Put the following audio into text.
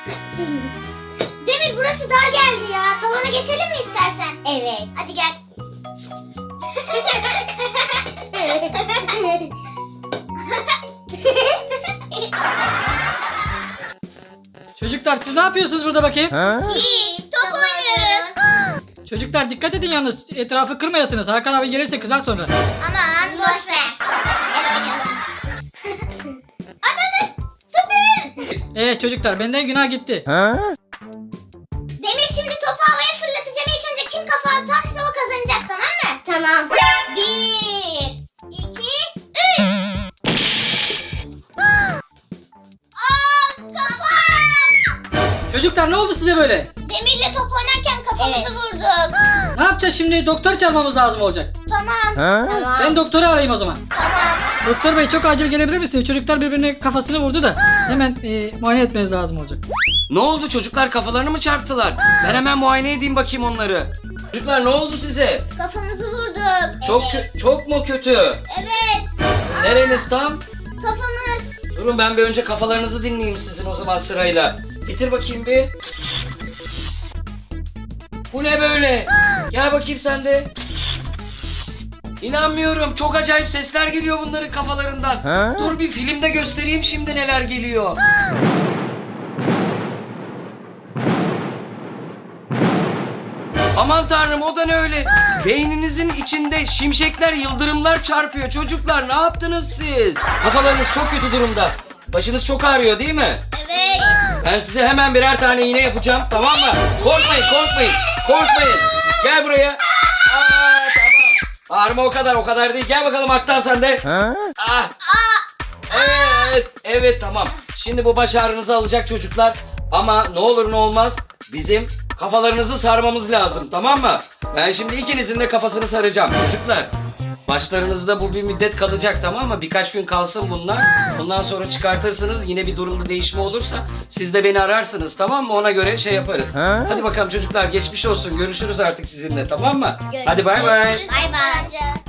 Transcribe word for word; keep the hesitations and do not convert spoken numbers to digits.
Demir burası dar geldi ya. Salona geçelim mi istersen? Evet. Hadi gel. Çocuklar siz ne yapıyorsunuz burada bakayım? Hiç top oynuyoruz. Çocuklar dikkat edin yalnız etrafı kırmayasınız. Hakan abi gelirse kızar sonra. Aman boş ver. Ananı tut Demir. Evet çocuklar benden günah gitti. Demir şimdi topu havaya fırlatacağım. İlk önce kim kafa atarsa o kazanacak, tamam mı? Tamam. Bir, iki, üç. Aa, kafam. Çocuklar ne oldu size böyle? Demirle top oynarken kafamızı Evet. vurduk. Ne yapacağız şimdi? Doktor çağırmamız lazım olacak. Tamam. Tamam. Ben doktoru arayayım o zaman. Tamam. Doktor bey çok acil gelebilir misiniz? Çocuklar birbirine kafasını vurdu da hemen e, muayene etmeniz lazım olacak. Ne oldu çocuklar, kafalarını mı çarptılar? Ben hemen muayene edeyim bakayım onları. Çocuklar ne oldu size? Kafamızı vurduk. Çok Evet. kö- çok mu kötü? Evet. Nereniz tam? Kafamız. Durun ben bir önce kafalarınızı dinleyeyim sizin o zaman sırayla. Bitir bakayım bir. Bu ne böyle? Gel bakayım sen de. İnanmıyorum. Çok acayip sesler geliyor bunların kafalarından. Dur bir filmde göstereyim şimdi neler geliyor. Aman tanrım, o da ne öyle? Beyninizin içinde şimşekler, yıldırımlar çarpıyor. Çocuklar ne yaptınız siz? Kafalarınız çok kötü durumda. Başınız çok ağrıyor değil mi? Evet. Ben size hemen birer tane iğne yapacağım, tamam mı? Korkmayın, korkmayın, korkmayın. Gel buraya. Aa, tamam. Ağrıma o kadar, o kadar değil. Gel bakalım Aktan sen de. Ah. Evet, evet tamam. Şimdi bu baş ağrınızı alacak çocuklar. Ama ne olur ne olmaz bizim kafalarınızı sarmamız lazım, tamam mı? Ben şimdi ikinizin de kafasını saracağım çocuklar. Başlarınızda bu bir müddet kalacak, tamam mı? Birkaç gün kalsın bunlar. Bundan sonra çıkartırsınız. Yine bir durumda değişme olursa siz de beni ararsınız, tamam mı? Ona göre şey yaparız. Hadi bakalım çocuklar, geçmiş olsun. Görüşürüz artık sizinle, tamam mı? Hadi bay bay. Bay bay.